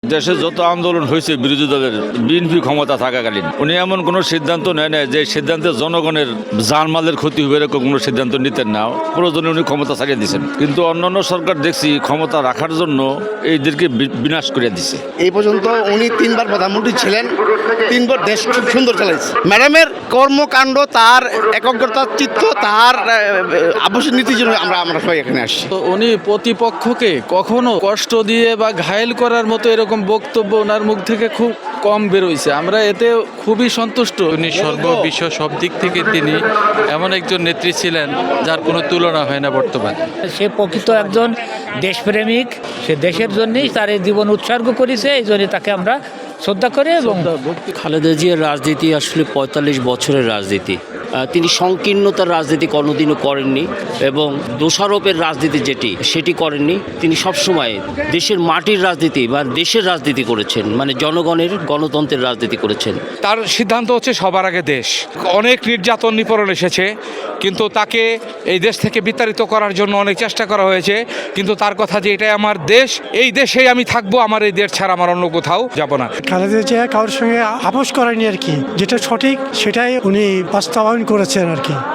দেশে যত আন্দোলন হয়েছে বিরোধী দলের বিএনপি ক্ষমতা থাকাকালীন উনি এমন কোনো সিদ্ধান্ত নেয় না যে সিদ্ধান্তে জনগণের জানমালের ক্ষতি হবে এরকম কোনো সিদ্ধান্ত নিতেন না। প্রয়োজনে উনি ক্ষমতা ছাড়িয়ে দিয়েছেন, কিন্তু অন্যান্য সরকার দেখছি ক্ষমতা রাখার জন্য এইদেরকে বিনাশ করে দিছে। এই পর্যন্ত উনি 3 বার প্রধানমন্ত্রী ছিলেন, 3 বার দেশ খুব সুন্দর চালাইছে। ম্যাডামের কর্মকাণ্ড, তার একগ্রতার চিত্ত, তার আবশ্যক নীতির জন্য আমরা সবাই এখানে আসছি। তো উনি প্রতিপক্ষকে কখনো কষ্ট দিয়ে বা ঘায়েল করার মতো এরকম বক্তব্য ওনার মুখ থেকে খুব কম বেরোইছে। আমরা এতে খুবই সন্তুষ্ট। উনি সর্ববিশ্ব সব দিক থেকে তিনি এমন একজন নেত্রী ছিলেন যার কোনো তুলনা হয় না বর্তমানে। সে প্রকৃত একজন দেশপ্রেমিক, সে দেশের জন্যই তার এই জীবন উৎসর্গ করেছে, এই জন্য তাকে আমরা শ্রদ্ধা করি। এবং খালেদা জিয়ার রাজনীতি আসলে 45 বছরের রাজনীতি। তিনি সংকীর্ণতার রাজনীতি কোনোদিনও করেননি এবং দোষারোপের রাজনীতি সেটি করেননি। তিনি সবসময় দেশের মাটির রাজনীতি বা দেশের রাজনীতি করেছেন, মানে জনগণের গণতন্ত্রের রাজনীতি করেছেন। তার সিদ্ধান্ত হচ্ছে সবার আগে দেশ। অনেক নির্যাতন নিপীড়ন এসেছে, কিন্তু তাকে এই দেশ থেকে বিতাড়িত করার জন্য অনেক চেষ্টা করা হয়েছে, কিন্তু তার কথা যে এটাই আমার দেশ, এই দেশেই আমি থাকবো, আমার এই দেশ ছাড়া আমার অন্য কোথাও যাব না। খালেদা জিয়া কারোর সঙ্গে আপোষ করেনি আর কি, যেটা সঠিক সেটাই উনি বাস্তবায়ন করেছেন আর কি।